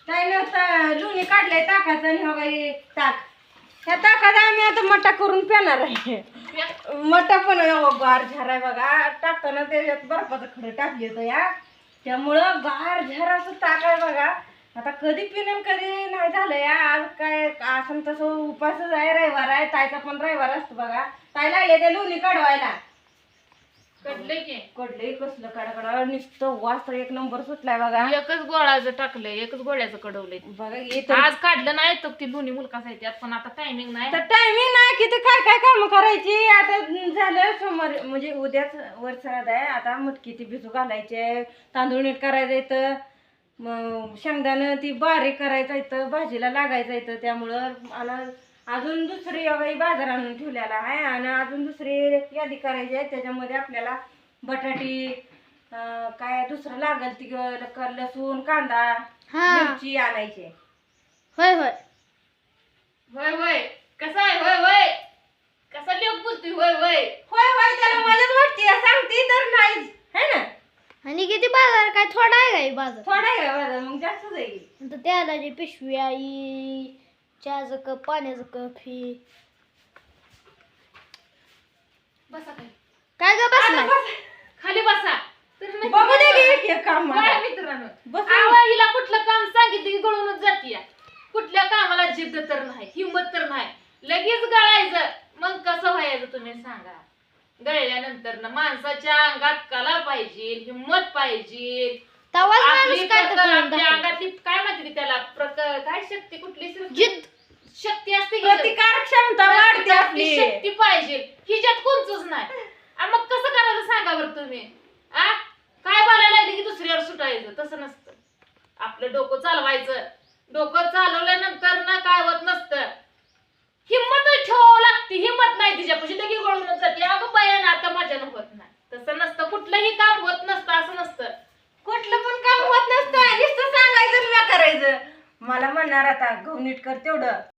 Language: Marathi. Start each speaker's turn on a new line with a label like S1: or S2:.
S1: त्याने लोणी काढलंय ताकाचं आणि हवाई ताक. ह्या ताकात आम्ही आता मटा करून पिणार आहे. मटा पण गार झार आहे बघा. टाकताना त्याच्यात बर्फाचं खडं टाकली होतं या, त्यामुळं गार झाराचं ताक आहे बघा. आता कधी पिणं कधी नाही झालं या. आज काय असं तसं उपासच आहे, रविवार आहे. ताईचा पण रविवार असतो बघा. ताई लागले ते लोणी काढवायला. कडले कसलं काढा नुसतं वास तर एक नंबर सुटलाय बघा.
S2: एकच गोळाचं टाकलंय, एकच गोळ्याचं कडवलंय
S1: बघा.
S2: आज काढलं नाही तर ती दोन्ही मुलकाच आहेत त्यात, पण आता टायमिंग नाही.
S1: तर टायमिंग नाही की ते काय काय काम करायची. आता झालं सोमवार म्हणजे उद्याच वरसाद आहे. आता मटकी ती भिजू घालायचे, तांदूळ नीट करायचं येतं, मग शेंगदाणं ती बारीक करायचं येतं, भाजीला लागायचं येतं. त्यामुळं आणि अजून दुसरी बाई बाजार आणून ठेवलेला आहे आणि अजून दुसरी यादी करायची आहे. त्याच्यामध्ये आपल्याला बटाटी काय दुसरं लागल ती लसूण कांदा मिरची आणायची.
S2: होय होय होय होय कसा आहे होय होय कसा लोक बोलतोय होय होय
S1: होय होय त्याला मलाच वाटते सांगते तर नाहीच है ना.
S3: आणि किती बाजार काय थोडा आहे काय बाजार?
S1: थोडा आहे का बाजार मग जास्तच आहे.
S3: त्याला जी पिशवी आई चहाचं कप पाण्याचं कप ही
S2: बसा खाली.
S3: काय ग बसलाय?
S2: खाली बसा तर नाही
S1: बघू दे की एक एक काम मला.
S2: काय मित्रांनो
S1: बस.
S2: आवा हिला कुठलं काम सांगितलं की गळूनच जातीया. कुठल्या कामाला जिद्द तर नाही, हिंमत तर नाही, लगेच गळायचं. मग कसं व्हायचं तुम्ही सांगा. गळल्यानंतर ना माणसाच्या अंगात कला पाहिजे, हिंमत पाहिजे.
S3: तवाच
S2: आपली
S3: माणूस काय तर करून
S2: आपल्या
S3: दाखवेल.
S2: अंगातली काय म्हणते त्याला काय शक्ती कुठली
S3: जिद्द
S2: शक्ती असते की
S1: प्रतिकार क्षमता वाढते
S2: आपली
S1: आपली.
S2: शक्ती पाहिजे. हिच्यात कोणतंच नाही. मग कसं करायचं सांगा बरं तुम्ही. काय बोलायला लागले की दुसऱ्यावर सुटायचं तसं नसतं. आपलं डोकं चालवायचं. डोकं चालवल्यानंतर ना काय होत नसतं. हिंमत ठेवावं लागते. हिंमत नाही तिच्यापाशी लगेच गळूनच जाते. अगं बयान आता माझ्यानं होत नाही. तसं नसतं. कुठलंही काम होत नसतं असं नसतं.
S1: कुठलं पण काम होत नसतं. नुसतं सांगायचं आणि करायचं. मला म्हणणार आता गहू नीट कर तेवढं.